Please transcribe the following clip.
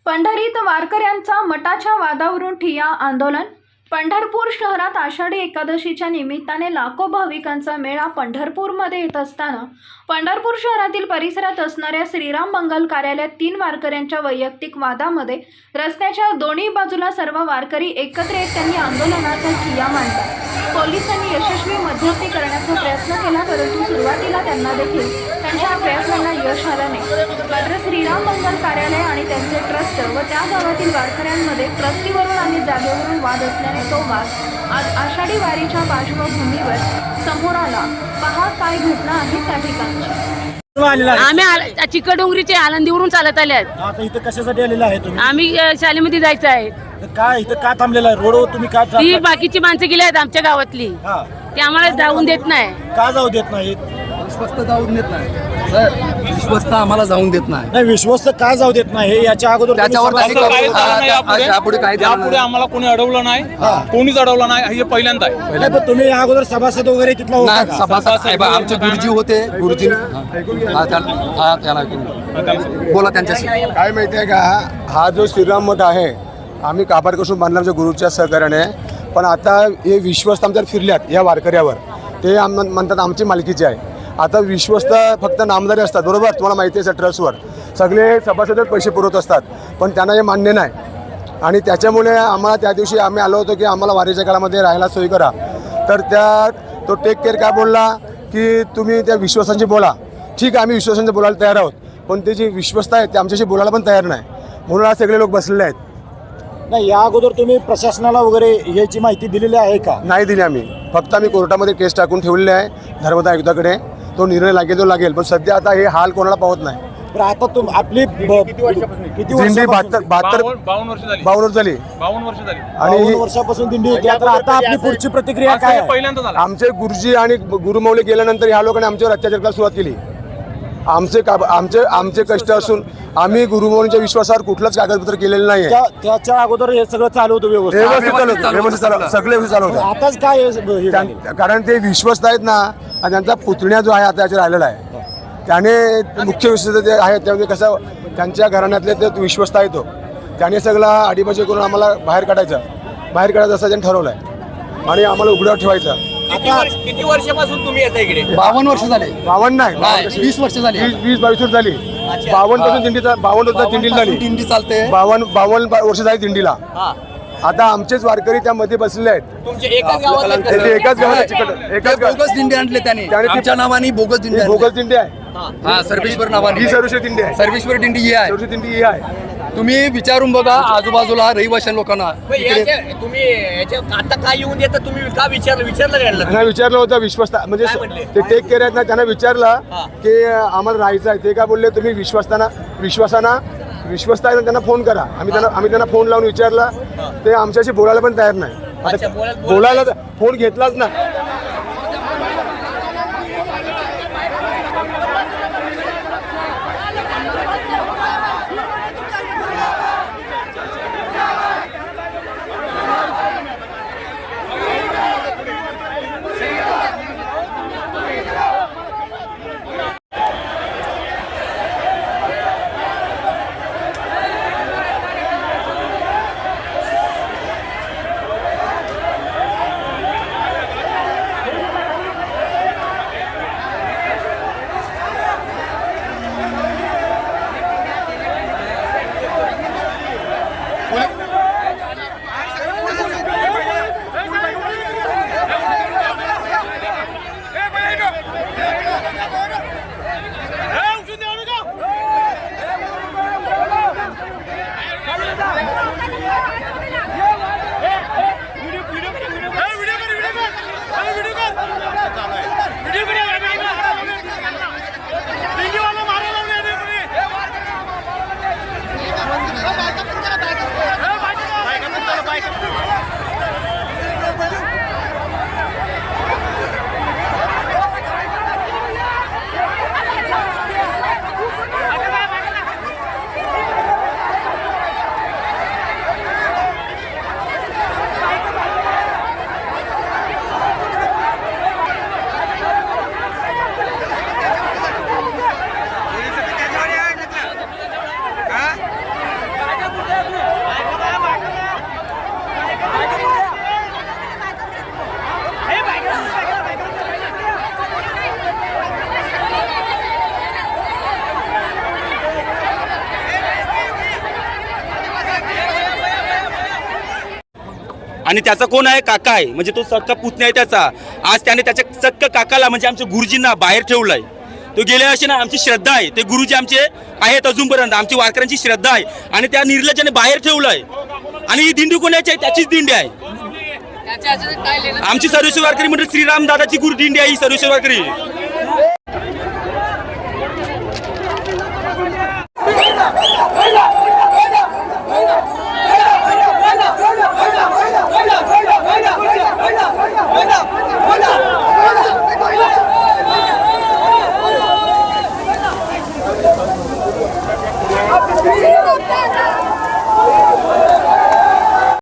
पंढरीत वारकऱ्यांचा मठाच्या वादावरून ठिय्या आंदोलन। पंढरपूर शहरात आषाढी एकादशीच्या निमित्ताने लाखो भाविकांचा मेळा पंढरपूरमध्ये येत असताना पंढरपूर शहरातील परिसरात असणाऱ्या श्रीराम मंगल कार्यालयात 3 वारकऱ्यांच्या वैयक्तिक वादामध्ये रस्त्याच्या दोन्ही बाजूला सर्व वारकरी एकत्र येत त्यांनी आंदोलनाचा ठिय्या मांडला। पोलिसांनी यशस्वी मध्यस्थी करण्याचा प्रयत्न केला, परंतु सुरुवातीला त्यांना देखील त्यांच्या प्रयत्नांना यश आलं नाही। मात्र श्रीराम मंगल कार्यालय आणि त्यांचे ट्रस्ट व त्या गावातील वारकऱ्यांमध्ये ट्रस्टीवरून आणि जागेवरून वाद असल्याने तो वाद आज आषाढी वारीच्या पार्श्वभूमीवर समोर आला। पहा काय घटना आहे त्या ठिकाणची। आम्ही चिकडोंगरीचे आनंदीवरून चालत आले आहेत। आता इथं कशासाठी आलेला आहे तुम्ही? आम्ही शाळेमध्ये जायचं आहे। काय इथं का थांबलेला आहे? रोडवर तुम्ही का ती बाकीची माणसं गेली आहेत आमच्या गावातली, हा, ते आम्हाला जाऊन देत नाही। का जाऊ देत नाहीत? विश्वस्त जाऊन देत नाही सर, विश्वस्त आम्हाला जाऊन देत नाही। नाही, विश्वस्त का जाऊ देत नाही याच्या अगोदर त्याच्यावर तुम्ही काही सभा- यापुढे काही यापुढे आम्हाला कोणी अडवलं नाही, कोणीच अडवलं नाही, हे पहिल्यांदा आहे। नाही, पण तुम्ही या अगोदर सभासद वगैरे तिथला होता नाही, का? सभासद साहेब आमचे गुरुजी होते, गुरुजी बोला त्यांच्याशी। काय माहिती आहे का, हा जो श्रीराम मठ आहे आम्ही काबारपासून बांधला आमच्या गुरुच्या सहकार्याने, पण आता हे विश्वस्त आमच्यावर फिरल्यात या वारकऱ्यावर, ते म्हणतात आमची मालकीची आहे। आता विश्वस्त फक्त नामदारी असतात, बरोबर, तुम्हाला माहिती आहे ट्रस्टवर सगळे सभासदच पैसे पुरवत असतात, पण त्यांना हे मान्य नाही। आणि त्याच्यामुळे आम्हाला त्या दिवशी आम्ही आलो होतो की आम्हाला वारीच्या काळामध्ये राहायला सोय करा, तर तो टेक केअर काय बोलला की तुम्ही त्या विश्वासांशी बोला। ठीक आहे, आम्ही विश्वासांशी बोलायला तयार आहोत, पण ते जे विश्वस्त आहेत ते आमच्याशी बोलायला पण तयार नाही, म्हणून आज सगळे लोक बसलेले आहेत। नाही, या अगोदर तुम्ही प्रशासनाला वगैरे याची माहिती दिलेली आहे का? नाही दिली आम्ही, फक्त आम्ही कोर्टामध्ये केस टाकून ठेवलेली आहे धर्मदाय आयुक्ताकडे, तो निर्णय लागेल तो लागेल, पण सध्या आता हे हाल कोणाला पावत नाही। तर आता आपली किती वर्षापासून? दिंडी 52 वर्ष झाली, 52 वर्ष झाली 52 वर्ष झाली आणि 52 वर्षापासून दिंडी होती। आता आपली पुढची प्रतिक्रिया काय आहे? पहिल्यांदा झाला। आमचे गुरुजी आणि गुरुमौली गेल्यानंतर ह्या लोकांनी आमच्यावर अत्याचार करायला सुरुवात केली। आमचे कष्ट असून आम्ही गुरुमौलींच्या विश्वासावर कुठलंच कागदपत्र केलेलं नाही आहे। त्याच्या अगोदर हे सगळं चालू होतं व्यवस्थित? व्यवस्थित चालू, सगळे व्यवस्थित चालू होतं। आताच काय हे झालं? कारण ते विश्वस्त आहेत ना, आणि त्यांचा पुतण्या जो आहे आता याच्या राहिलेला आहे, त्याने मुख्य विश्वस्त जे आहे त्यामध्ये कसं त्यांच्या घराण्यातले ते विश्वस्त आहे, तो त्याने सगळा अडीबाजी करून आम्हाला बाहेर काढायचं असं त्यांनी ठरवलं आहे आणि आम्हाला उघड्यावर ठेवायचं। किती वर्षापासून तुम्ही येता इकडे? 52 वर्ष झाले। 52 नाही, 20 वर्ष झाली। 20-22 वर्ष झाली। 52 पासून दिंडीचा 52 वर्ष दिंडी झाली, दिंडी चालते। 52 वर्ष झाली दिंडीला। आता आमचेच वारकरी त्यामध्ये बसले आहेत। तुमच्या एकाच गावात ते एकाच गावात एकाच बोगस दिंडी आणले त्याने, आमच्या नावाने बोगस दिंडी आणली। बोगस दिंडी आहे, हा, सर्वेश्वर नावाने ही सर्वश्री दिंडी आहे, सर्वेश्वर दिंडी ही आहे। सर्वश्री दिंडी ही आहे। तुम्ही विचारून बघा आजूबाजूला रहिवाशां लोकांना। तुम्ही आता काय येऊन देता? तुम्ही का विचारलं घ्यायला? त्यांना विचारलं होतं विश्वस्त म्हणजे काय म्हणले? ते टेक केअर आहेत ना, त्यांना विचारलं की आम्हाला राहायचं आहे, ते काय बोलले तुम्ही विश्वस्त आहे ना, त्यांना फोन करा। आम्ही त्यांना फोन लावून विचारलं, ते आमच्याशी बोलायला पण तयार नाही। अच्छा, बोलायला फोन घेतलाच ना। व्हिडिओ आणि त्याचा कोण आहे? काका आहे, म्हणजे तो सक्का पुतण्या आहे त्याचा. आज त्याने त्याच्या सक्क काकाला म्हणजे आमच्या गुरुजींना बाहेर ठेवलाय. तो गेल्या वर्षी ना आमची श्रद्धा आहे, ते गुरुजी आमचे आहेत अजूनपर्यंत, आमची वारकऱ्यांची श्रद्धा आहे आणि त्या निर्लज्जाने बाहेर ठेवलंय. आणि ही दिंडी कोणाची आहे? त्याचीच दिंडी आहे. आमची सर्वेश्वर वारकरी म्हणजे श्रीराम दादाची गुरु दिंडी आहे ही सर्वेश्वर वारकरी. Vamos!